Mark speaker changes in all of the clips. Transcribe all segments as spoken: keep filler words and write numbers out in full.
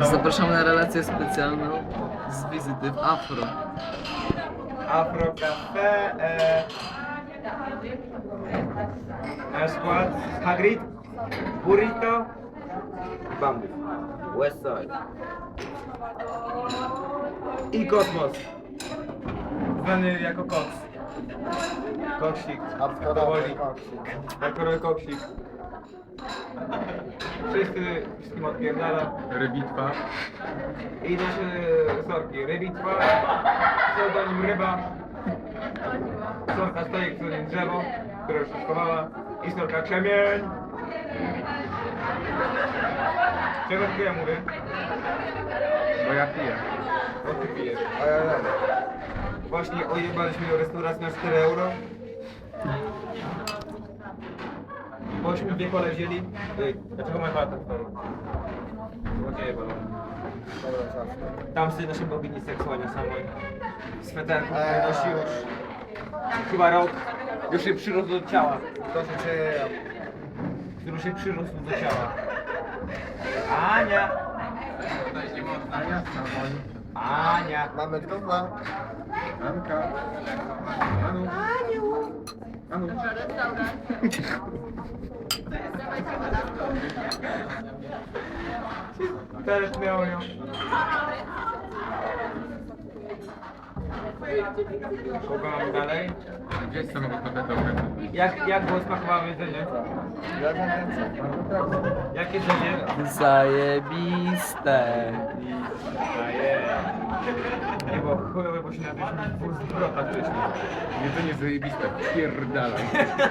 Speaker 1: Zapraszamy na relację specjalną z wizyty w Afro.
Speaker 2: Afro Cafe. E... Nasz skład Hagrid, Burrito, Bambus, Westside i Kosmos, zwany jako Cox. Koksik, powoli. Hardkorowy koksik. Wszyscy, wszystkim odpierdala.
Speaker 3: Rybitwa.
Speaker 2: I nasze sorki. Rybitwa, pseudonim Ryba. Sorka stoi, pseudonim Drzewo, która już się schowała. I sorka Krzemień. Czego tylko ja mówię?
Speaker 3: Bo ja piję.
Speaker 2: O ty pijesz. Właśnie ojebaliśmy do restauracji na cztery euro. Bośmy dwie kole wzięli. Ej, dlaczego moja chata stoi? Złodzieje bolą. Tam sobie nasze bogini seksualnie samej. Sweterku, który nosi już chyba rok. Już się przyrósł do ciała. To się dzieje. Który się przyrósł do ciała. Ania!
Speaker 3: Ania,
Speaker 2: Ania!
Speaker 3: mamy gotowa. Anka. Anu. Anu.
Speaker 2: Teraz miał ją. Kogo mamy dalej?
Speaker 3: Gdzie jest samochód patentowy?
Speaker 2: Jak, jak było smakowało jedzenie? Jak jedzenie?
Speaker 1: Zajebiste.
Speaker 2: Nie było chujowe, bo się napięliśmy dwóch zwrotach wcześniej.
Speaker 3: Jedzenie zajebiste. Pierdalaj.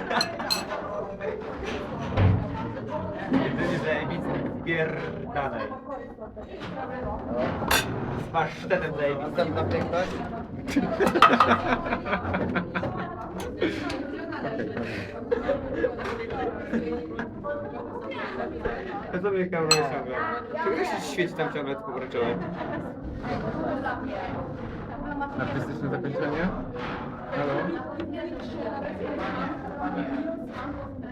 Speaker 2: Jedzenie zajebiste, pierdalej. Z pasztetem zajebistym.
Speaker 4: Następna piękność.
Speaker 2: Ja sobie kamerę ciągle. Czego się świeci tam ciągle tylko pomarańczowe?
Speaker 3: Artystyczne zakończenie? Halo?